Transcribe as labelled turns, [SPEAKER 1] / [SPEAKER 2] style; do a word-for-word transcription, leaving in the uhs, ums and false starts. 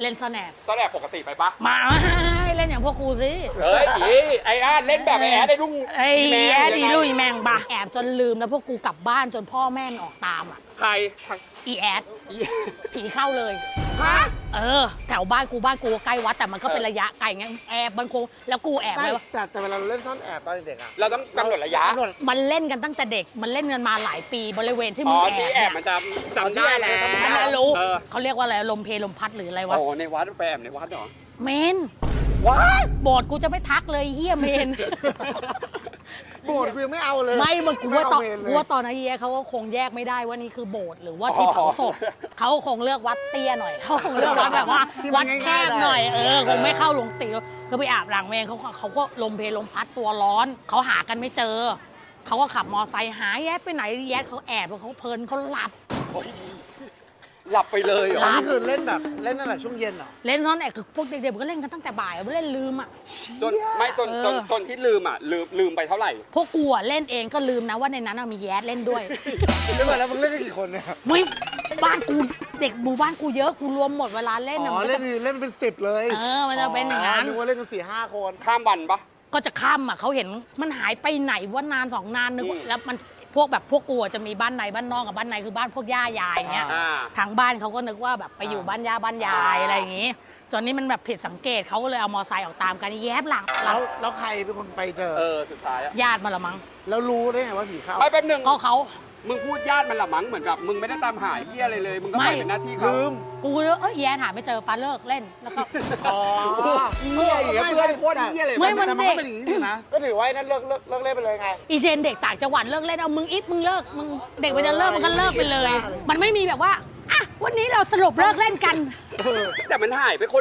[SPEAKER 1] เล่นซ่อนแอบ
[SPEAKER 2] ตอนแรกปกติไปปะ
[SPEAKER 1] มาเล่นอย่างพวกกูสิ
[SPEAKER 2] เฮ้ยอีไอ้อาร์ตเล่นแบบไอ้แอดได้ลุง
[SPEAKER 1] ไอ้
[SPEAKER 2] แม่
[SPEAKER 1] แย่ดี
[SPEAKER 2] ยังไง
[SPEAKER 1] ลุยแมงบะแอบจนลืมแล้วพวกกูกลับบ้านจนพ่อแม่ออกตามอ่ะ
[SPEAKER 2] ใคร
[SPEAKER 1] อีแอด
[SPEAKER 2] อี
[SPEAKER 1] ผีเข้าเลย
[SPEAKER 2] ฮะ
[SPEAKER 1] เออแถวบ้านกูบ้านกูใกล้วัดแต่มันก็เป็นระยะไกลไงแอบมันคงแล้วกูแอบ
[SPEAKER 3] ไม่
[SPEAKER 1] ไว้ว่า
[SPEAKER 3] แต่แต่เวลาเราเล่นซ่อนแอบตอนเด็กๆอะ
[SPEAKER 2] เราต้องกำหนดระยะ
[SPEAKER 3] กำหนด
[SPEAKER 1] มันเล่นกันตั้งแต่เด็กมันเล่นกันมาหลายปีบริเวณที่
[SPEAKER 2] อ๋
[SPEAKER 1] มึ
[SPEAKER 2] อง
[SPEAKER 1] แอบ
[SPEAKER 2] ที่แอบ
[SPEAKER 1] เนี่ย
[SPEAKER 2] มันจะจำได้แล้ว
[SPEAKER 1] ฉันน่ะรู้
[SPEAKER 2] เออ
[SPEAKER 1] เขาเรียกว่าอะไรลมเพลลมพัดหรืออะไรวะ
[SPEAKER 2] โอ้ในวัดไปแอบในวัดเหรอ
[SPEAKER 1] เมน
[SPEAKER 2] วัด
[SPEAKER 1] โบสถ์กูจะไม่ทักเลยเฮียเมน
[SPEAKER 3] โบสถ์กูยังไม่เอาเลย
[SPEAKER 1] ไม่มันกูว่าตอน
[SPEAKER 3] ไม่เมเลย
[SPEAKER 1] กูว่าตอนนั้นเฮียเขาก็คงแยกไม่ได้ว่านี่คือโบสถ์หรือว่าที่เผาศพเขาคงเลือกวัดเตี้ยหน่อยเขาคงเลือกวัดแบบว่าวัดแคบหน่อยเออคงไม่เข้าหลวงตีก็ไปอาบหลังเมนเขาเขาก็ลมเพลลมพัดตัวร้อนเขาหากันไม่เจอเขาก็ขับมอไซค์หาแยดไปไหนแยดเขาแอบเขาเพลินเขาหลับ
[SPEAKER 2] หลับไปเลยเหรอ
[SPEAKER 3] อันนี้คือเล่นแบบเล่นตั้งแต่ช่วงเย็นเหรอ
[SPEAKER 1] เล่นซ่อนแอบคือพวกเด็กๆมันก็เล่นกันตั้งแต่บ่ายเล่นลืมอ่ะ
[SPEAKER 2] จนไม่จนจน
[SPEAKER 1] เออ
[SPEAKER 2] จนที่ลืมอ่ะลืมลืมไปเท่าไหร่
[SPEAKER 1] พวกกูอะเล่นเองก็ลืมนะว่าในนั้นอะมีแยดเล่นด้วย
[SPEAKER 3] เล่นมาแล้วมึงเล่นกันกี่คนเนี่ย
[SPEAKER 1] ไม่บ้านกูเด็กหมู่บ้านกูเยอะกูรวมหมดเวลาเล่น
[SPEAKER 3] อ๋
[SPEAKER 1] นะ
[SPEAKER 3] อ
[SPEAKER 1] มันก็
[SPEAKER 3] เล่
[SPEAKER 1] จะ
[SPEAKER 3] นเล่นเป็นสิบเลย
[SPEAKER 1] เออมันจะเป็นอย่างนั้น
[SPEAKER 3] นึกว่าเล่นกันสี่ห้าคน
[SPEAKER 2] ข้ามวันปะ
[SPEAKER 1] ก็จะค่ำอ่ะเขาเห็นมันหายไปไหนว่านานสองนานนึกว่า
[SPEAKER 2] อืม
[SPEAKER 1] แล้วมันพวกแบบพวกกูอะจะมีบ้านในบ้านนอกกับบ้านในคือบ้านพวกย่ายายอย่างเงี้ย
[SPEAKER 2] อ่า
[SPEAKER 1] ทางบ้านเขาก็นึกว่าแบบไปอยู่บ้านย่าบ้านยายอะไรอย่างงี้จนนี้มันแบบผิดสังเกตเขาก็เลยเอามอไซค์ออกตามกันแยบหลัง
[SPEAKER 3] แล้วแล้วใครเป็นคนไปเจอ
[SPEAKER 2] เออสุดท้ายอะ
[SPEAKER 1] ญาติมาละมั้ง
[SPEAKER 3] แล้วรู้ได้ไงว่าผีเข้า
[SPEAKER 2] ไปแป๊บหนึง
[SPEAKER 1] ก็เขา
[SPEAKER 2] มึงพูดญาติมันละมั้งเหมือนกับมึงไม่ได้ตามหาเหี้ยอะไรเลย มึงก็
[SPEAKER 1] ไม่
[SPEAKER 2] ไปเป็นหน้าที่เขา
[SPEAKER 3] ลืม
[SPEAKER 1] กูเลยเอ้ยแย่หาไม่เจอปลาเลิกเล่นแล้วก็
[SPEAKER 3] อ๋อ
[SPEAKER 2] เหี้ยอย่างเงี้ยเพื่อนโคตรเหี้ยเลย
[SPEAKER 1] ไม่ มัน
[SPEAKER 3] แต่มันก็เป็นอย่างนี้จริงนะ ก็ถือว่าไอ้นั่นเลิกเลิกเลิกเล่นไปเลยไง
[SPEAKER 1] อีเจนเด็กต่างจังหวัดเลิกเล่นเอามึงอิฟมึงเลิกมึงเด็กมันจะเลิกมันก็เลิกไปเลย มันไม่มีแบบว่าอ่ะวันนี้เราสรุปเลิกเล่นกัน
[SPEAKER 2] แต่มันหายไปคน